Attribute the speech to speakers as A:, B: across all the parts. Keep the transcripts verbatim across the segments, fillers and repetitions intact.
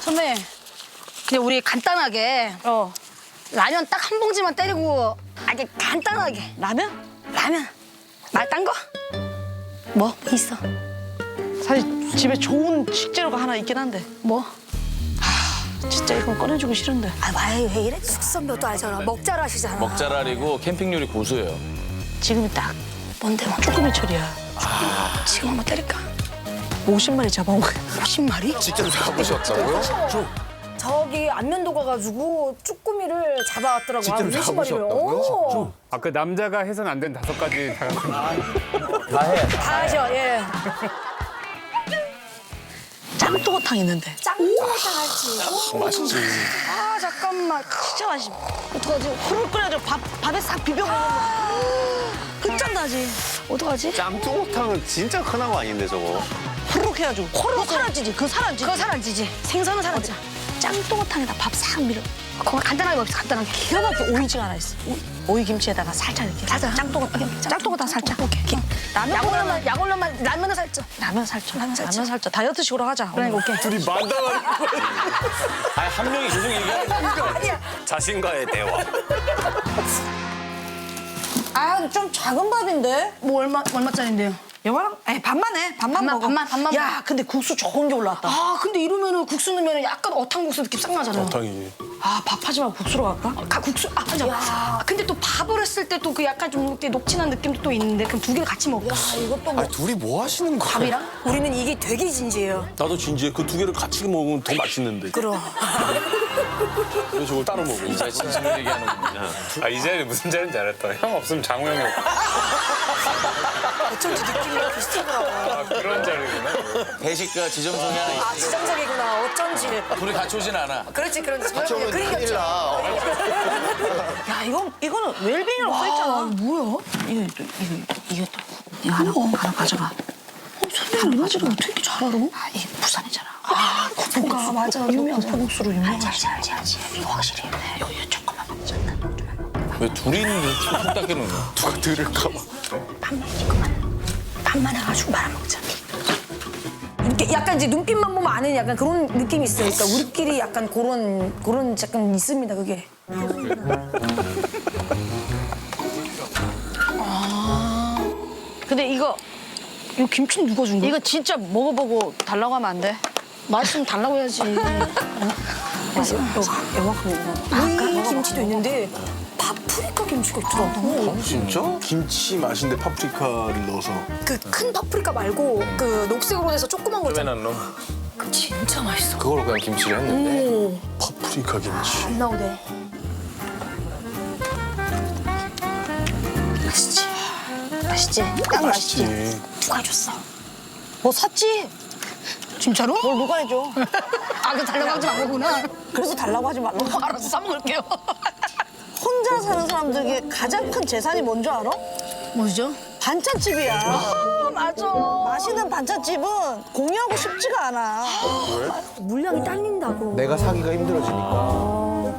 A: 선배, 그냥 우리 간단하게
B: 어.
A: 라면 딱 한 봉지만 때리고 아주 간단하게
B: 라면?
A: 라면 말 딴 거? 뭐? 뭐 있어?
B: 사실 집에 좋은 식재료가 하나 있긴 한데
A: 뭐?
B: 진짜 이건 꺼내주기 싫은데.
A: 아, 왜, 왜 이래? 숙선배도 알잖아. 먹잘 하시잖아.
C: 먹자랄이고 캠핑 요리 고수예요.
B: 지금이 딱
A: 뭔데, 뭔데?
B: 쭈꾸미철이야.
A: 지금 한번 때릴까?
B: 오십 마리 잡아온 거야.
A: 오십 마리?
D: 직접 잡으셨다고요?
A: 저기 안면도 가가지고 쭈꾸미를 잡아왔더라고.
D: 직접
A: 한 오십 마리를.
D: 잡으셨다고요?
A: 오.
E: 아, 그 남자가 해서는 안 되는 다섯 가지 다 갖고
A: 다 하셔, 예.
B: 짱뚱어탕 있는데.
A: 짱구탕 할지.
D: 맛있지.
A: 아, 잠깐만.
B: 진짜 맛있어.
A: 어떡하지?
B: 후루룩 끓여가지고 밥, 밥에 싹 비벼 먹으면 끝장나지.
A: 어떡하지?
D: 짱뚱어탕은 진짜 흔한 거 아닌데 저거.
B: 후루룩 해가지고 호루룩 사라지지. 그거 사라지지.
A: 그거 사라지지. 생선은 사라져.
B: 짱뚱어탕에다 밥 싹 밀어.
A: 그거 간단하게 먹읍시다, 간단하게.
B: 기가 막히게 오이징 하나 있어. 오이, 오이 김치에다가 살짝 이렇게.
A: 살짝.
B: 짱뚱어탕. 짱뚱어탕 살짝.
A: 오케이.
B: 라면
A: 약올로만, 약올로만, 라면은 살쪄.
B: 라면 살짝.
A: 라면 살짝.
B: 라면 살짝. 다이어트식으로 하자.
A: 그러니까 오케이.
D: 둘이 만담하는
C: 아니 한 명이 계속 얘기하는 거
D: 자신과의 대화.
B: 아, 좀 작은 밥인데?
A: 뭐 얼마, 얼마짜린데요?
B: 여봐랑? 에이, 밥만 해. 밥만,
A: 밥만,
B: 먹어.
A: 밥만, 밥만
B: 야, 근데 국수 좋은 게 올라왔다.
A: 아, 근데 이러면은 국수 넣으면 약간 어탕국수 느낌 싹 나잖아요.
D: 당연히.
B: 아, 밥하지 말고 국수로 갈까?
A: 가, 국수, 아, 맞아. 아, 근데 또 밥을 했을 때 또 그 약간 좀 이렇게 녹진한 느낌도 또 있는데 그럼 두 개를 같이 먹을까?
B: 이것도 뭐.
D: 아니 둘이 뭐 하시는 거예요?
A: 밥이랑? 우리는 이게 되게 진지해요.
F: 나도 진지해. 그 두 개를 같이 먹으면 더 맛있는데.
A: 그럼.
F: 왜 저걸 따로 먹어?
C: 진짜 진심을 얘기하는군요.
E: 아, 이 자리 무슨 자리인지 알았다. 형 없으면 장우 형이 없고.
A: 어쩐지 느낌이 비슷하더라고.
E: 아, 그런 자리구나.
C: 배식과 지정성이 하나
A: 아,
C: 있으니까
A: 지정적이구나. 어쩐지.
C: 둘이 같이 오진 않아.
A: 그렇지, 그렇지.
D: 같이 오면 큰일 나.
B: 야, 이건, 이거는 웰빙이라고 써있잖아.
A: 뭐야?
B: 이거, 또, 이거, 이거 또. 이거 하나, 하나 가져가.
A: 선배님 이런 줄은 어떻게 이렇게 잘 알아?
B: 아, 이게 부산이잖아.
A: 아, 고프가 맞아. 유명하잖아.
B: 고국수로 유명하지.
A: 알지, 알지, 알지. 이거 확실히.
B: 이거, 이거 조금만 먹자.
C: 왜 둘이 있는데 툭 닦이는 거야?
D: 누가 들을까 봐.
A: 밥만, 이거만. 밥만 해가지고 말아먹자. 이렇게 약간 이제 눈빛만 보면 아는 약간 그런 느낌이 있어요. 그러니까 우리끼리 약간 그런, 그런 약간 있습니다, 그게.
B: 근데 이거,
A: 이거 김치는 누가 준 거야?
B: 이거 진짜 먹어보고 달라고 하면 안 돼?
A: 맛있으면 달라고 해야지.
B: 그래서 요만큼 먹어.
A: 우리 김치도 있는데 파프리카 김치가 있더라고.
D: 진짜?
F: 김치 맛인데 파프리카를 넣어서.
A: 그 큰 파프리카 말고 그 녹색으로 돼서 조그만 거 있잖아.
C: 안 넣어?
A: 그 진짜 맛있어.
D: 그걸로 그냥 김치를 했는데.
A: 오,
F: 파프리카 김치.
A: 안 나오대.
B: 맛있지? 맛있지? 딱 맛있지?
F: 맛있지.
A: 누가 해줬어?
B: 뭐 샀지?
A: 진짜로?
B: 뭘 누가 해줘?
A: 아, 그 달라고 하지 말고구나.
B: 그래서 달라고 하지 말라고.
A: 알았어, 사먹을게요.
B: 혼자 사는 사람들에게 가장 큰 재산이 뭔지 알아?
A: 뭐죠?
B: 반찬집이야.
A: 아, 맞아.
B: 맛있는 반찬집은 공유하고 싶지가 않아.
A: 물량이 딸린다고.
D: 내가 사기가 힘들어지니까.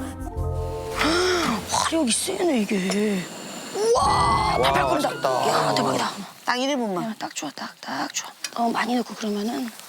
A: 화력이 세네, 이게. 우와,
D: 와,
A: 팔팔 끓는다.
D: 맛있겠다.
A: 야, 대박이다.
B: 딱 일 인분만.
A: 야, 딱 좋아, 딱, 딱 좋아. 어, 많이 넣고 그러면은